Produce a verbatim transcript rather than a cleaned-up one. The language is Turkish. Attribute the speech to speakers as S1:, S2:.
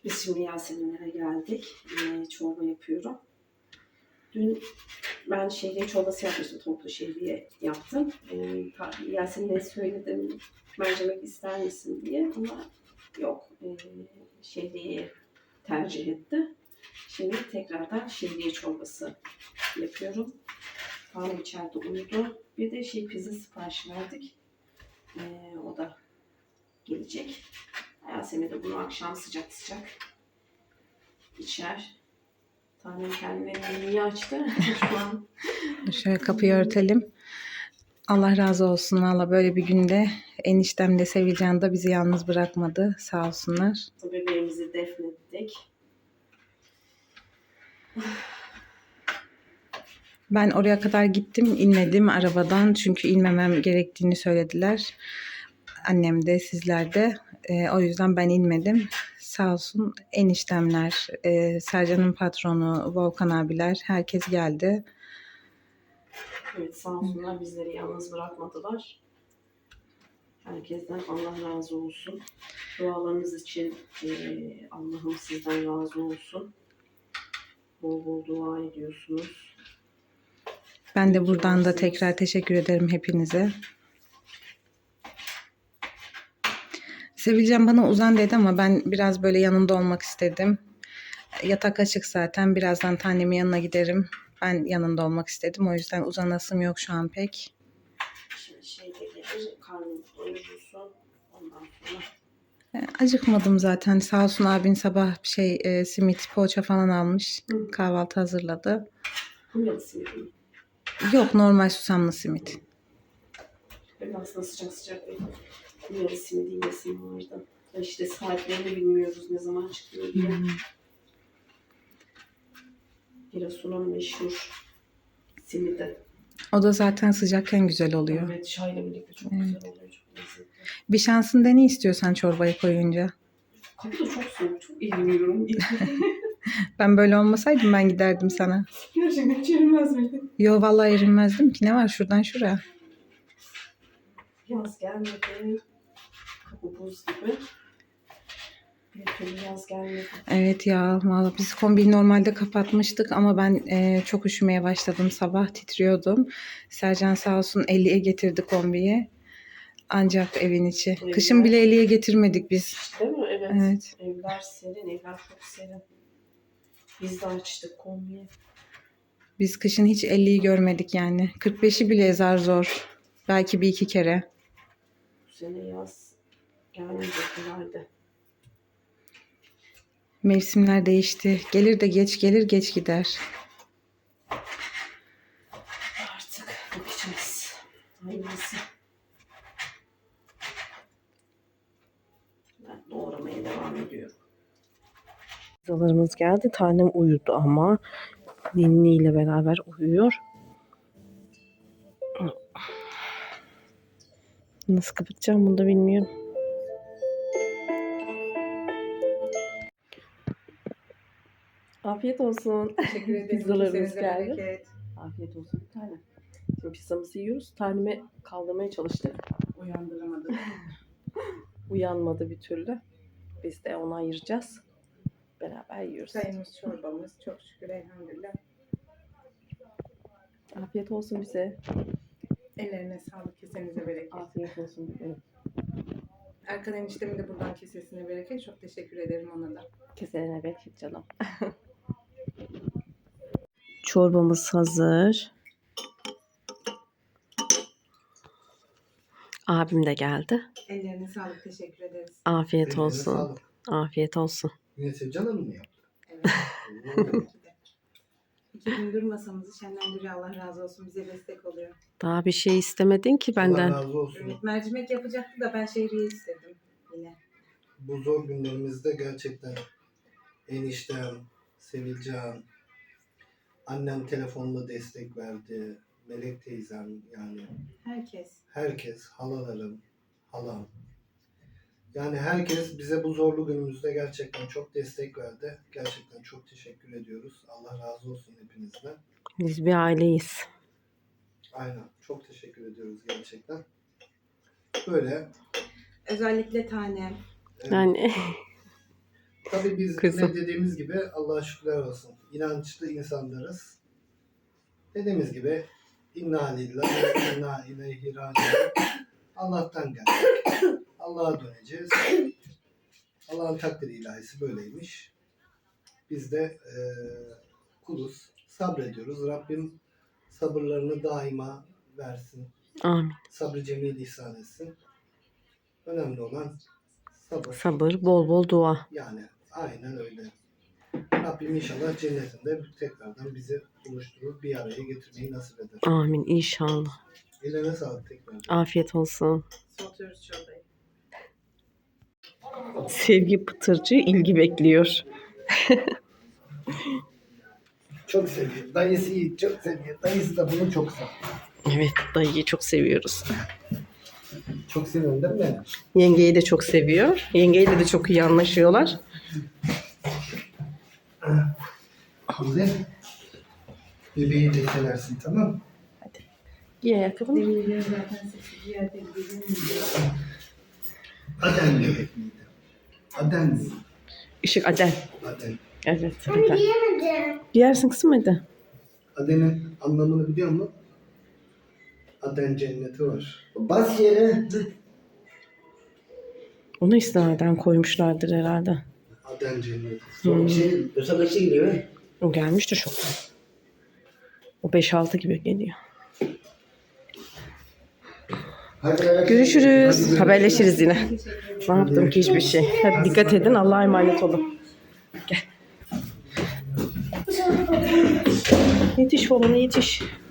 S1: Biz şimdi Yaseminlere geldik. Ee, çorba yapıyorum. Dün ben şehriye çorbası yapmıştım. Toplu şehriye yaptım. Ee, Yasemin'e söyledim mercimek ister misin diye ama yok. E, şehriyeyi tercih etti. Şimdi tekrardan şehriye çorbası yapıyorum. Hanım içeride uyudu. Bir de şey pizza sipariş verdik. Ee, o da gelecek. Yasemin de bunu akşam sıcak sıcak içer. Tanem kendine menüyü açtı. Şu an.
S2: Şöyle kapıyı örtelim. Allah razı olsun. Valla böyle bir günde eniştem de Sevilcan da bizi yalnız bırakmadı. Sağ olsunlar.
S1: Bebeğimizi defnettik.
S2: Ben oraya kadar gittim, inmedim arabadan. Çünkü inmemem gerektiğini söylediler. Annem de, sizler de. E, o yüzden ben inmedim. Sağ olsun eniştemler, e, Sercan'ın patronu, Volkan abiler, herkes geldi.
S1: Evet, sağ olsunlar bizleri yalnız bırakmadılar. Herkesten Allah razı olsun. Dualarınız için e, Allah'ım sizden razı olsun. Bol bol dua ediyorsunuz.
S2: Ben de buradan da tekrar teşekkür ederim hepinize. Sevilcan bana uzan dedi ama ben biraz böyle yanında olmak istedim. Yatak açık zaten. Birazdan tanemin yanına giderim. Ben yanında olmak istedim. O yüzden uzanasım yok şu an pek.
S1: Şimdi şey de gelir, karnınızı doyurursun. Ondan sonra.
S2: Acıkmadım zaten. Sağ olsun abin sabah bir şey e, simit, poğaça falan almış. Hı. Kahvaltı hazırladı.
S1: Kumyalı simit mi?
S2: Yok, normal susamlı simit.
S1: Ben aslında sıcak sıcak bir kumyalı simidi yiyesim vardı. İşte saatlerini bilmiyoruz ne zaman çıkıyor diye. Hmm. Giresun'un meşhur simidi.
S2: O da zaten sıcakken güzel oluyor.
S1: Evet, çayla birlikte çok evet. Güzel oluyor. Çok lezzetli.
S2: Bir şansın dene istiyorsan çorbayı koyunca.
S1: Kapı da çok soğuk. Çok eğleniyorum.
S2: Ben böyle olmasaydım ben giderdim sana.
S1: Gerçekten hiç erinmez miydin?
S2: Yo vallahi erinmezdim ki. Ne var şuradan şuraya?
S1: Yaz gelmedi. Kapı buz gibi. Bir türlü yaz gelmedi.
S2: Evet ya, vallahi biz kombiyi normalde kapatmıştık ama ben e, çok üşümeye başladım. Sabah titriyordum. Sercan sağ olsun elliye getirdi kombiyi. Ancak evin içi. Evler, kışın bile elliye getirmedik biz.
S1: Değil mi? Evet.
S2: Evet.
S1: Evler serin, evler çok serin. Biz de açtık kombiyi.
S2: Biz kışın hiç elliyi görmedik yani. kırk beşi bile zar zor. Belki bir iki kere.
S1: Bu sene yaz gelmeyecek herhalde.
S2: Mevsimler değişti. Gelir de geç gelir, geç gider.
S1: Artık bakacağız. Hayırlısı. Ben doğramaya devam ediyorum. Pizzalarımız geldi. Tanem uyudu ama Ninni ile beraber uyuyor. Nasıl kapatacağım bunu da bilmiyorum. Afiyet olsun.
S3: Teşekkür ederim.
S1: Pizzalarımız geldi.
S3: Bereket.
S1: Afiyet olsun bir tane. Şimdi pizzamızı yiyoruz. Taneme kaldırmaya çalıştık.
S3: Uyandıramadım.
S1: Uyanmadı bir türlü. Biz de onu ayıracağız. Beraber yiyoruz.
S3: Çayımız, çorbamız çok şükür elhamdülillah.
S1: Afiyet olsun bize.
S3: Ellerine sağlık, kesenize bereket.
S1: Afiyet olsun bize.
S3: Erkan eniştemin de buradan kesesine bereket. Çok teşekkür ederim ona da.
S1: Kesene bereket canım. Çorbamız hazır. Abim de geldi.
S3: Ellerine sağlık, teşekkür ederiz.
S1: Afiyet
S4: Ellerine
S1: olsun.
S4: sağlık.
S1: Afiyet olsun.
S4: Yine Sevcan Hanım mı yaptı?
S3: Evet. Tabii ki de. İki gündür masamızı şenlendiriyor. Allah razı olsun. Bize destek oluyor.
S1: Daha bir şey istemedin ki benden.
S4: Allah razı olsun.
S3: Evet, mercimek yapacaktı da ben şehriye istedim yine.
S4: Bu zor günlerimizde gerçekten eniştem, Sevilcan, annem telefonla destek verdi. Melek teyzem yani.
S3: Herkes.
S4: Herkes, halalarım, halam. Yani herkes bize bu zorlu günümüzde gerçekten çok destek verdi. Gerçekten çok teşekkür ediyoruz. Allah razı olsun hepinizden.
S1: Biz bir aileyiz.
S4: Aynen. Çok teşekkür ediyoruz gerçekten. Böyle.
S3: Özellikle tanem.
S4: Evet,
S1: Yani
S4: Tabii biz
S2: Kızım.
S4: ne dediğimiz gibi Allah'a şükürler olsun. İnançlı insanlarız. Dediğimiz gibi inna lillahi ve inna ileyhi raciun. Allah'tan geldik. Allah'a döneceğiz. Allah'ın takdiri ilahisi böyleymiş. Biz de e, kuluz. Sabrediyoruz. Rabbim sabırlarını daima versin.
S1: Amin.
S4: Sabrı cemil ihsan etsin. Önemli olan sabır.
S1: Sabır, bol bol dua.
S4: Yani aynen öyle. Rabbim inşallah cennetinde tekrardan bizi buluşturur, bir araya getirmeyi nasip eder.
S1: Amin inşallah.
S4: Ellerine sağlık tekrar.
S1: Afiyet olsun.
S3: Soğutuyoruz çorbayı.
S1: Sevgi Pıtırcı ilgi bekliyor.
S4: Çok seviyor. Dayısı iyi, çok seviyor. Dayısı da bunu çok seviyor.
S1: Evet, dayıyı çok seviyoruz.
S4: Çok seviyorum değil mi?
S1: Yengeyi de çok seviyor. Yengeyle de çok iyi anlaşıyorlar.
S4: Güzel. Bebeği de seversin, tamam mı?
S1: Giy ayakkabını.
S3: Demirleri zaten sesi ciğerde gidelim.
S4: Aden bebek miydi? Aden mi?
S1: Işık Adel.
S4: Aden.
S1: Evet. Adel. Giyersin kızım hadi.
S4: Aden'in anlamını biliyor musun? Aden cenneti var. Bas yere.
S1: Onu istinaden koymuşlardır herhalde.
S4: Aden cenneti.
S1: Hmm.
S5: Şey, Yoksa kaçta geliyor?
S1: O gelmiştir çok. O beş altı gibi geliyor.
S5: Hadi
S1: Görüşürüz. Haberleşiriz yine. Ne yaptım ki hiçbir şey. Hadi dikkat edin. Allah'a emanet olun. Gel. Yetiş oğlum yetiş.